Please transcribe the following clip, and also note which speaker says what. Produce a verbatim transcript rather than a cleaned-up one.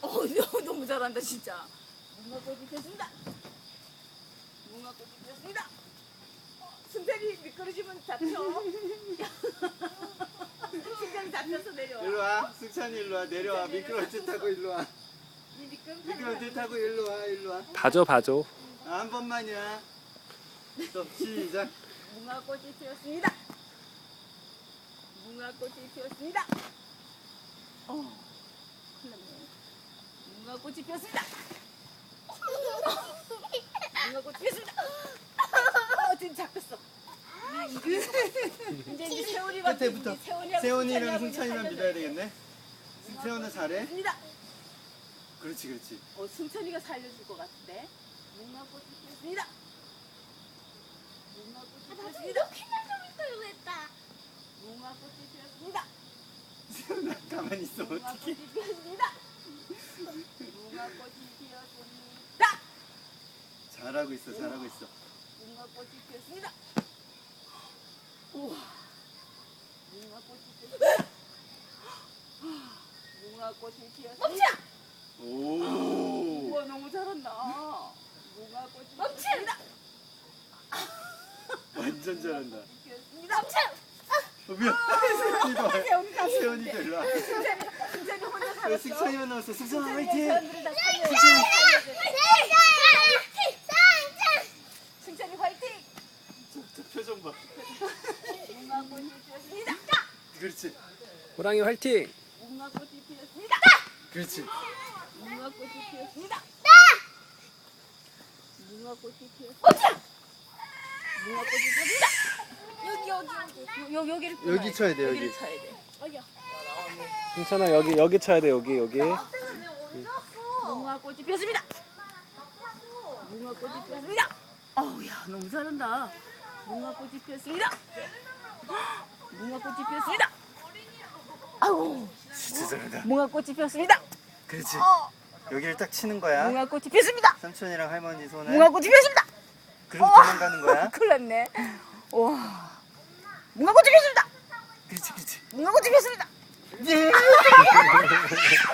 Speaker 1: 어, 너무 잘한다 진짜. 무궁화꽃이 피었습니다. 무궁화꽃이 피었습니다. 어, 승찬이 미끄러지면 잡혀. 승찬이 잡혀서 내려와.
Speaker 2: 일로 와. 승찬이 일로 와. 내려와. 미끄러울 듯 하고 일로 와.
Speaker 1: 이 미끄럼
Speaker 2: 미끄러울 듯 하고 일로 와. 일로 와.
Speaker 3: 봐줘 봐줘.
Speaker 2: 아, 한 번만이야. 또 시작.
Speaker 1: 무궁화꽃이 피었습니다. 무궁화꽃이 피었습니다. 어, 큰일 났네. 무궁화꽃이 피었습니다. 무궁화꽃이 피었습니다. 어, 지금 잡혔어. 이제 이제 세훈이가
Speaker 2: 끝에부터.
Speaker 1: 이제 세훈이하고
Speaker 2: 세훈이랑
Speaker 1: 승찬이하고 이제
Speaker 2: 승찬이만
Speaker 1: 살려줘야
Speaker 2: 믿어야 되겠네. 세훈은 잘해.
Speaker 1: 피었습니다.
Speaker 2: 그렇지, 그렇지.
Speaker 1: 어, 승찬이가 살려줄 것 같은데. 무궁화꽃이 피었습니다. 무궁화꽃이 피었습니다.
Speaker 4: 이렇게 날좀 했다.
Speaker 1: 무궁화꽃이 피었습니다.
Speaker 2: 세훈아, 가만히 있어. 어떡해.
Speaker 1: 무궁화꽃이 피었습니다. 무궁화꽃이 피었습니다.
Speaker 2: 잘하고 있어, 잘하고 있어.
Speaker 1: 무궁화꽃이 피었습니다. 우와. 무궁화꽃이 피었습니다. 무궁화꽃이 피었습니다.
Speaker 2: 오.
Speaker 1: 우와, 너무 잘한다. 무궁화꽃이 피었습니다.
Speaker 2: 완전 잘한다.
Speaker 1: 피었습니다.
Speaker 2: 어, 미안. 세훈이도 와.
Speaker 1: 세훈이가
Speaker 2: 세훈이도 일로 와.
Speaker 1: 승찬이, 승찬이 혼자
Speaker 2: 왜
Speaker 1: 살았어.
Speaker 2: 승찬이만 나왔어? 승찬아,
Speaker 1: 승찬이가
Speaker 2: 화이팅!
Speaker 1: 사람들을 다 살려. 승찬이 화이팅!
Speaker 2: 저, 저 표정 봐.
Speaker 1: 무궁화꽃이 피었습니다.
Speaker 2: 그렇지,
Speaker 3: 호랑이 화이팅!
Speaker 1: 무궁화꽃이 피었습니다.
Speaker 2: 그렇지.
Speaker 1: 무궁화꽃이 피었습니다. 무궁화꽃이 피었습니다. 무궁화꽃이 피었습니다.
Speaker 4: 여기 여기 여기.
Speaker 1: 여, 여기를
Speaker 2: 여기 쳐야 돼, 여기.
Speaker 1: 여기를 쳐야 돼.
Speaker 4: 여기요.
Speaker 3: 괜찮아 여기 여기 쳐야 돼 여기 여기.
Speaker 1: 무궁화꽃이 피었습니다. 무궁화꽃이 피었습니다. 어우, 야, 너무 잘한다. 무궁화꽃이 피었습니다. 무궁화꽃이 피었습니다. 아우,
Speaker 2: 진짜 잘한다.
Speaker 1: 무궁화꽃이 피었습니다.
Speaker 2: 그렇지. 여기를 딱 치는 거야.
Speaker 1: 무궁화꽃이 피었습니다.
Speaker 2: 삼촌이랑 할머니 손에.
Speaker 1: 무궁화꽃이 피었습니다.
Speaker 2: 그리고 도망가는 거야.
Speaker 1: 큰일 났네. 와, 무궁화꽃이 피었습니다.
Speaker 2: 그렇지, 그렇지.
Speaker 1: 무궁화꽃이 피었습니다.
Speaker 2: 예!